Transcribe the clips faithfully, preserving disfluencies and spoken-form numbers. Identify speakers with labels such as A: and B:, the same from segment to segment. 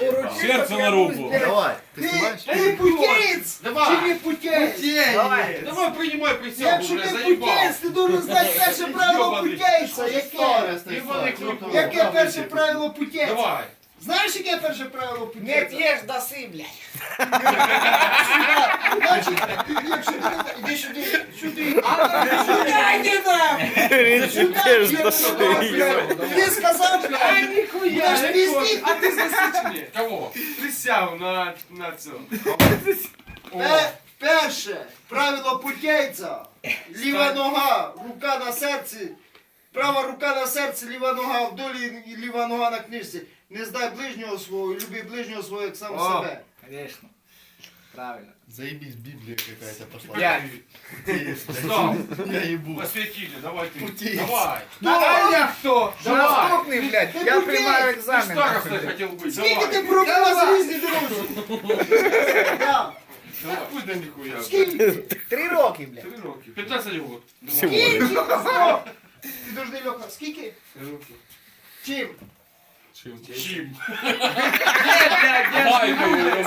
A: Серце на руку.
B: Давай, ты
C: Ти,
B: снимаешь?
C: ти путєць!
A: Давай.
C: Чи не путєць?
A: Давай, давай принимай присягу,
C: Якщо
A: уже
C: ти
A: заебал.
C: путєць, ти должен знати перше правило
A: Йобаний.
C: путєйця. Яке?
A: Ебаный клюк.
C: Яке перше правило путєйця?
A: Давай.
C: Знаєш, яке перше правило
D: Не
C: путєйця?
D: п'єш, даси, блядь.
C: Значить, якщо ти... Іди сюди, сюди.
D: Дай не нам!
B: Теж дошли.
C: Ти сказав,
D: Ай, ніхуя!
C: будеш піздіти.
E: А ти засічені?
A: Кого?
E: Присягу на, на цьому.
C: Пе- Перше правило путєйця. Ліва нога, рука на серці. Права рука на серці, ліва нога в долі і ліва нога на книжці. Не здай ближнього свого, і люби ближнього свого, як сам
D: О.
C: себе.
D: Конечно. Правильно.
B: Заебись, Библия какая-то пошла.
D: Пять.
A: Стоп.
B: Я ебу.
A: Посвятили, давай ты.
B: Путей.
A: Давай.
D: А я хто?
A: Давай.
D: Наступний, блядь.
C: Ти
D: Я
C: путєй.
D: приймаю
A: Ты
D: екзамен.
A: старостой хотел быть,
C: Скільки ти
A: давай.
C: пробував з різні друзі? Да.
A: Давай. Пусть да нихуя.
C: Скільки?
D: Три роки, блядь.
A: Три роки. пятнадцать год.
B: Всего.
C: Скільки? Стоп. Ти должний, Льоха, скільки?
E: Три роки.
C: Чим?
A: Чим?
E: Давай,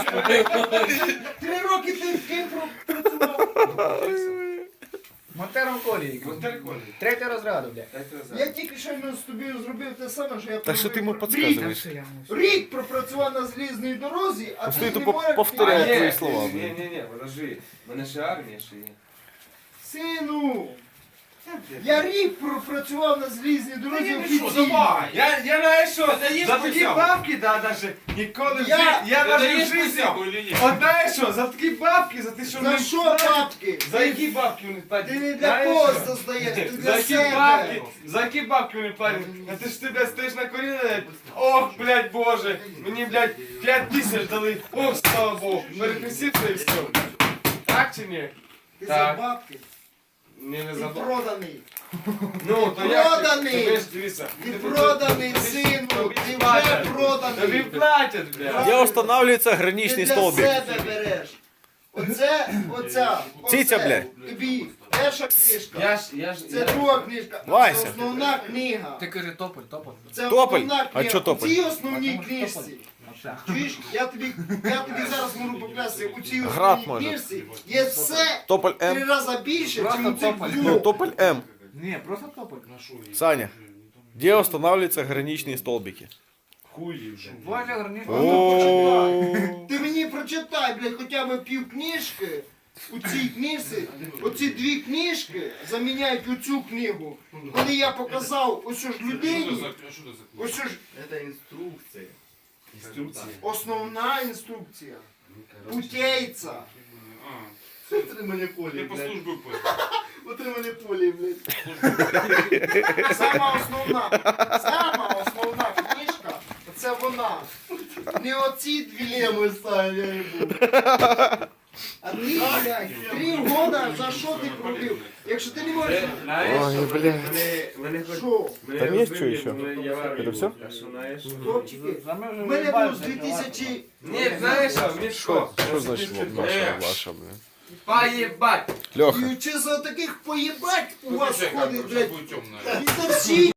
C: Три роки ти ким працював?
D: Монтером колії. Третя розряду, блядь.
C: Я тільки що з тобою зробив те саме, що я
B: Так що ти йому
C: пробив.
B: підказуєш?
D: Що я можу?
C: Рік пропрацював на залізній дорозі, а
B: Стой,
C: ти
B: то
C: не
B: по-
C: можеш...
B: повторяй.
C: А,
B: твої
E: Ні,
B: слова,
E: ні,
B: блін.
E: ні, ні, подожди. В мене ще армія ще є.
C: Сину, я рік пропрацював на залізній дорозі
A: Что,
C: офіційно.
A: давай.
E: Я, я знаю що,
A: Це є
E: за такі
A: присягу?
E: бабки, да, даже, ніколи в
C: Я-
E: житті, я
A: Ты
E: навіть в
A: даешь
E: житті.
A: присягу или нет?
E: От знаєш що, за такі бабки, за те, що
C: За
E: вони
C: що
E: платять,
C: бабки?
E: За які бабки вони платять?
C: Ти не для
E: Знаєш
C: кого
E: що?
C: создаєш, ти
E: За
C: для
E: які бабки,
C: себе.
E: за які бабки вони платять? А ти ж ти, блядь, стоїш на коліна, блядь, ох, блядь, боже, мені, блядь, п'ять тисяч дали, ох, слава Богу, перекреститься і все. Так чи ні?
C: Ти за
E: Так.
C: бабки.
E: Ні, не
C: Ти
E: забув.
C: проданий.
E: Ну, то
C: Ти
E: як ти-
C: проданий.
E: ти ж дивися.
C: Ти проданий, сину,
E: Тобі
C: ти вже
E: платять. Тобі
C: проданий.
E: платять, блядь.
B: Где устанавливается
C: Ти
B: граничный
C: для
B: столбик?
C: себе береш. Оце, оця,
B: Циця,
C: оце.
B: блядь.
C: Тобі перша книжка.
E: Я ж, я ж,
C: Це
E: я...
C: друга книжка.
B: Вася.
C: Це основна книга.
D: Ти кажи тополь, тополь.
C: Це
B: Тополь?
C: основна
B: А
C: книга.
B: чо тополь?
C: У цій основній
D: Тому що
C: книжці.
D: тополь. Оце.
C: Чуєш, я тобі, я тобі зараз можу поклясти, у цій
B: Град
C: основній
B: може.
C: книжці є все
B: Тополь
C: три
B: М.
C: рази більше,
D: Просто
C: ніж у цих
D: тополь.
B: Ну,
C: двох.
B: тополь М.
D: Ні, просто тополь.
B: Саня, где устанавливаются граничные столбики?
E: Хуї вже.
D: Боже, гарніше.
B: О,
C: Ти мені прочитай, блядь, хоча б пів книжки. У цій книжці, оці дві книжки заміняють оцю книгу. Коли я показав ось ж людині, ось ж
B: Это инструкция.
E: Інструкція.
C: основна інструкція. Путейця.
B: Утримання полі,
A: Ты по службе понял.
B: Утримання полі, блядь.
C: Сама основна, сама основна книжка, це вона. Не оці дві.
B: Леми, Саня, я ебу.
C: А ти, блядь, три года за що ти пробив? Якщо ти не можеш...
E: Знаєш,
B: Ой,
E: що,
B: блядь.
E: мене, мене хоч...
C: Що?
E: мене
B: Там є
E: розбили,
B: що ще?
E: мене я в армії
B: Это все?
E: був, а що, знаєш?
C: Хлопчики,
D: За мене вже
C: в мене
D: виїбали,
C: був з
D: блядь,
C: дві тисячі...
E: Ні, знаєш що,
B: Що?
E: Мішко,
B: Що значить ваша,
A: Е.
B: ваша, блядь?
E: поїбать.
B: Леха.
C: І чи за таких поїбать у вас
A: Выключай
C: ходить,
A: камеру,
C: блядь,
A: сейчас будет темно.
C: і за всі